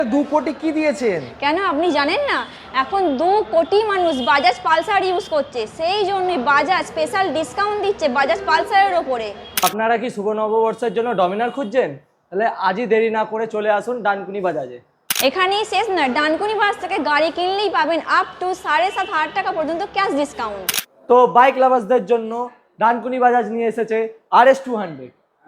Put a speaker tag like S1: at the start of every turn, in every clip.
S1: 2 কোটি কি দিয়েছেন?
S2: কেন আপনি জানেন না? এখন 2 কোটি মানুষ বাজাজ পালসার ইউজ করছে, সেই জন্যই বাজাজ স্পেশাল ডিসকাউন্ট দিচ্ছে বাজাজ পালসারের ওপরে।
S1: আপনারা কি শুভ নববর্ষের জন্য ডমিনার খুঁজছেন? তাহলে আজই দেরি না করে চলে আসুন ডানকুনি বাজাজে।
S2: এখানেই শেষ না, ডানকুনি বাজাজ থেকে গাড়ি কিনলেই পাবেন আপ টু 7,500 টাকা পর্যন্ত ক্যাশ ডিসকাউন্ট।
S1: তো বাইক লাভার্সদের জন্য ডানকুনি বাজাজ নিয়ে এসেছে RS200।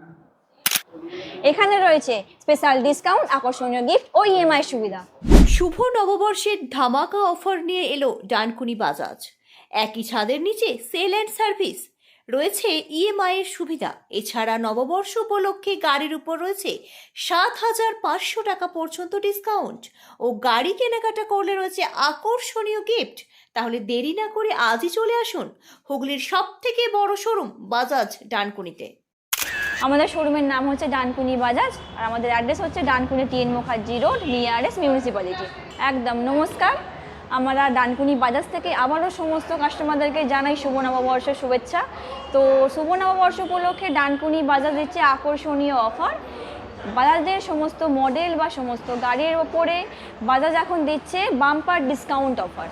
S2: এখানে রয়েছে স্পেশাল ডিসকাউন্ট, আকর্ষণীয় গিফট ও ইএমআই সুবিধা।
S3: শুভ নববর্ষের ধামাকা অফার নিয়ে এলো ডানকুনি বাজাজ। একই ছাদের নিচে সেল অ্যান্ড সার্ভিস, রয়েছে ইএমআই এর সুবিধা। এছাড়া নববর্ষ উপলক্ষে গাড়ির উপর রয়েছে 7,500 টাকা পর্যন্ত ডিসকাউন্ট ও গাড়ি কেনাকাটা করলে রয়েছে আকর্ষণীয় গিফট। তাহলে দেরি না করে আজই চলে আসুন হুগলির সবথেকে বড় শোরুম বাজাজ ডানকুনিতে।
S2: আমাদের শোরুমের নাম হচ্ছে ডানকুনি বাজাজ, আর আমাদের অ্যাড্রেস হচ্ছে Dankuni TN Mukherjee road, nearest municipality. একদম নমস্কার, আমরা ডানকুনি বাজাজ থেকে আবারও সমস্ত কাস্টমারদেরকে জানাই শুভ নববর্ষের শুভেচ্ছা। তো শুভ নববর্ষ উপলক্ষে ডানকুনি বাজাজ দিচ্ছে আকর্ষণীয় অফার। বাজাজের সমস্ত মডেল বা সমস্ত গাড়ির ওপরে বাজাজ এখন দিচ্ছে বাম্পার ডিসকাউন্ট অফার।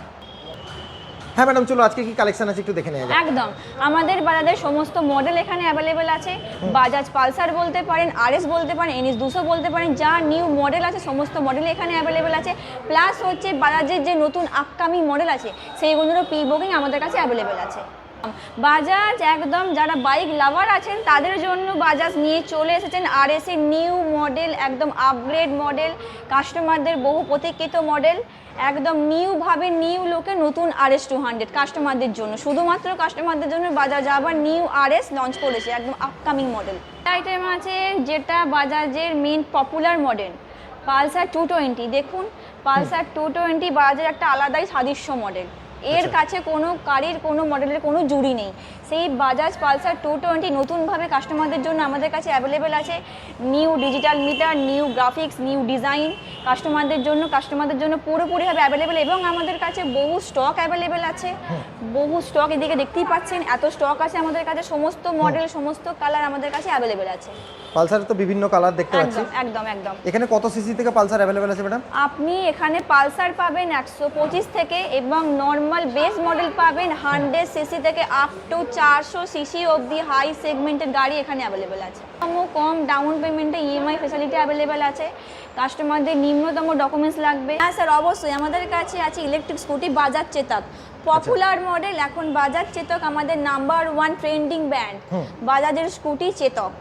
S4: হ্যাঁ ম্যাডাম, চলো আজকে কি কালেকশন আছে একটু দেখে নেওয়া যাক।
S2: একদম, আমাদের বাজাজের সমস্ত মডেল এখানে অ্যাভেলেবেল আছে। বাজাজ পালসার বলতে পারেন, RS বলতে পারেন, NS 200 বলতে পারেন, যা নিউ মডেল আছে সমস্ত মডেল এখানে অ্যাভেলেবেল আছে। প্লাস হচ্ছে বাজাজের যে নতুন আপকামিং মডেল আছে সেইগুলোরও প্রি বুকিং আমাদের কাছে অ্যাভেলেবেল আছে। বাজাজ একদম যারা বাইক লাভার আছেন তাদের জন্য বাজাজ নিয়ে চলে এসেছেন RS এর নিউ মডেল, একদম আপগ্রেড মডেল, কাস্টমারদের বহু প্রতীক্ষিত মডেল, একদম নিউভাবে নিউ লোকে নতুন RS200 কাস্টমারদের জন্য, শুধুমাত্র কাস্টমারদের জন্য বাজাজ আবার নিউ RS লঞ্চ করেছে, একদম আপকামিং মডেল। আইটেম আছে যেটা বাজাজের মেন পপুলার মডেল পালসার 220। দেখুন পালসার 220 বাজাজের একটা আলাদাই সাদৃশ্য মডেল, এর কাছে কোনো গাড়ির কোনো মডেলের কোনো জুড়ি নেই। সেই বাজাজ পালসার 220 নতুনভাবে কাস্টমারদের জন্য আমাদের কাছে অ্যাভেলেবেল আছে। New digital meter, new graphics, new design কাস্টমারদের জন্য পুরোপুরিভাবে অ্যাভেলেবেল, এবং আমাদের কাছে বহু স্টক অ্যাভেলেবেল আছে। বহু স্টক এদিকে দেখতেই পাচ্ছেন, এত স্টক আছে আমাদের কাছে, সমস্ত মডেল সমস্ত কালার আমাদের কাছে অ্যাভেলেবেল আছে।
S4: পালসার তো বিভিন্ন কালার দেখতে পাচ্ছি।
S2: একদম একদম।
S4: এখানে কত সিসি থেকে পালসার অ্যাভেলেবেল আছে ম্যাডাম?
S2: আপনি এখানে পালসার পাবেন 125 থেকে, এবং নর্মাল বেস মডেল পাবেন 100 সিসি থেকে আপ টু 400 সিসি অবধি হাই সেগমেন্টের গাড়ি এখানে অ্যাভেলেবেল আছে। কম ডাউন পেমেন্টে ইএমআই ফ্যাসিলিটি অ্যাভেলেবেল আছে। কাস্টমারদের নিম্নতম ডকুমেন্টস লাগবে। হ্যাঁ স্যার, অবশ্যই আমাদের কাছে আছে electric scooty Bajaj Chetak, popular model. এখন বাজাজ চেতক আমাদের নাম্বার 1 ট্রেন্ডিং ব্র্যান্ড। বাজাজের স্কুটি চেতক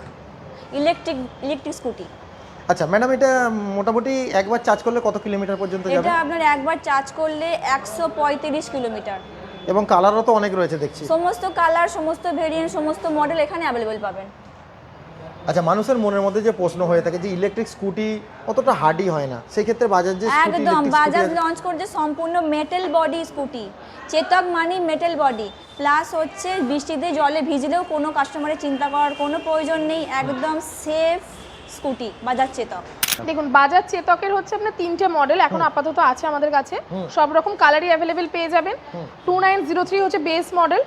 S2: ইলেকট্রিক স্কুটি।
S4: আচ্ছা ম্যাডাম, এটা মোটামুটি একবার চার্জ করলে কত কিলোমিটার পর্যন্ত যাবে?
S2: এটা আপনার একবার চার্জ করলে 135 কিলোমিটার।
S4: এবং কালারও তো অনেক রয়েছে দেখছি।
S2: সমস্ত কালার, সমস্ত ভেরিয়েন্ট, সমস্ত মডেল এখানে অ্যাভেলেবেল পাবেন।
S4: আচ্ছা, মানুষের মনের মধ্যে যে প্রশ্ন হয়ে থাকে যে ইলেকট্রিক স্কুটি অতটা হার্ডি হয় না, সেই ক্ষেত্রে বাজাজ যে
S2: একদম বাজাজ লঞ্চ করছে সম্পূর্ণ মেটাল বডি স্কুটি। চেতক মানে মেটাল বডি, প্লাস হচ্ছে বৃষ্টিতে জলে ভিজলেও কোনো কাস্টমারের চিন্তা করার কোনো প্রয়োজন নেই, একদম সেফ স্কুটি বাজাজ চেতক।
S5: দেখুন বাজাজ চেতকের হচ্ছে আপনার 3টে মডেল এখন আপাতত আছে আমাদের কাছে, সব রকম কালারই অ্যাভেলেবেল পেয়ে যাবেন। 2903 হচ্ছে বেস মডেল,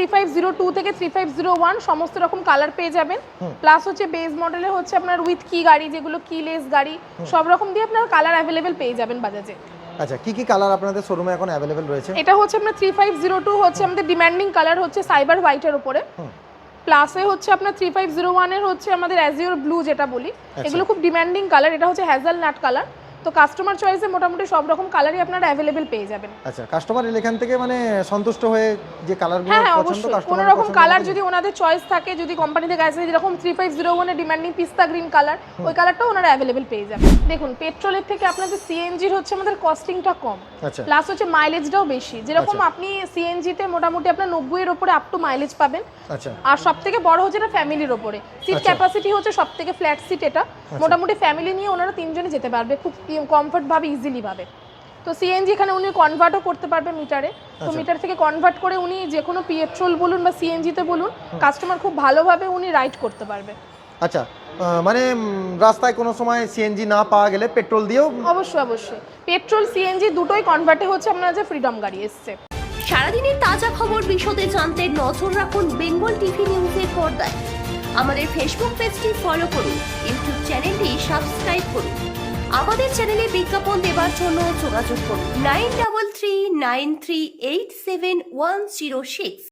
S5: 3502 থেকে 3501 সমস্ত রকম কালার পেয়ে যাবেন। প্লাস হচ্ছে বেস মডেলে হচ্ছে আপনার উইথ কি গাড়ি, যেগুলো কিলেস গাড়ি, সব রকম দিয়ে আপনার কালার অ্যাভেলেবেল পেয়ে যাবেন বাজাজে।
S4: আচ্ছা, কি কি কালার আপনাদের শোরুমে এখন অ্যাভেলেবেল রয়েছে?
S5: এটা হচ্ছে আপনার 3502 হচ্ছে আমাদের ডিমান্ডিং কালার, হচ্ছে সাইবার হোয়াইটের উপরে। প্লাসে হচ্ছে আপনার 3501 এর হচ্ছে আমাদের অ্যাজিওর ব্লু যেটা বলি, এগুলো খুব ডিমান্ডিং কালার। এটা হচ্ছে হ্যাজেলনাট কালার। তো কাস্টমার চয়েসে মোটামুটি সব রকম কালারই আপনারা অ্যাভেলেবেল পেয়ে যাবেন।
S4: আচ্ছা, কাস্টমার এখান থেকে মানে সন্তুষ্ট হয়ে যে কালারগুলো পছন্দ,
S5: কোনো রকম কালার যদি ওনাদের চয়েস থাকে, যদি কোম্পানি থেকে আসে যেরকম 3501 এর ডিমান্ডিং পিস্তা গ্রিন কালার, ওই কালারটাও ওনারা অ্যাভেলেবেল পেয়ে যাবেন। দেখুন পেট্রোলের থেকে আপনাদের সিএনজির হচ্ছে আমাদের কস্টিংটা কম, প্লাস হচ্ছে মাইলেজটাও বেশি। যেরকম আপনি সিএনজিতে মোটামুটি আপনার 90 এর উপরে আপ টু মাইলেজ পাবেন। আচ্ছা, আর সবথেকে বড় হচ্ছে এটা ফ্যামিলির উপরে, সিট ক্যাপাসিটি হচ্ছে সবথেকে ফ্ল্যাট সিট। এটা মোটামুটি ফ্যামিলি নিয়ে ওনারা 3 জনে যেতে পারবে খুব কমফর্ট ভাবে, ইজিলি ভাবে। তো সিএনজি এখানে উনি কনভার্টও করতে পারবে মিটারে। তো মিটার থেকে কনভার্ট করে উনি যে কোনো পেট্রোল বলুন বা সিএনজিতে বলুন, কাস্টমার খুব ভালোভাবে উনি রাইড করতে পারবে।
S4: আচ্ছা, মানে রাস্তায় কোনো সময় সিএনজি না পাওয়া গেলে পেট্রোল দিয়েও?
S5: অবশ্যই পেট্রোল সিএনজি দুটোই কনভার্টে হচ্ছে আপনার যে ফ্রিডম গাড়ি এসছে।
S3: সারাদিনের তাজা খবর বিশদে জানতে নজর রাখুন বেঙ্গল টিভি নিউজের পর্দায়। আমাদের ফেসবুক পেজটি ফলো করুন, ইউটিউব চ্যানেলটি সাবস্ক্রাইব করুন। আমাদের চ্যানেলে বিজ্ঞাপন দেওয়ার জন্য যোগাযোগ করুন 9339387106।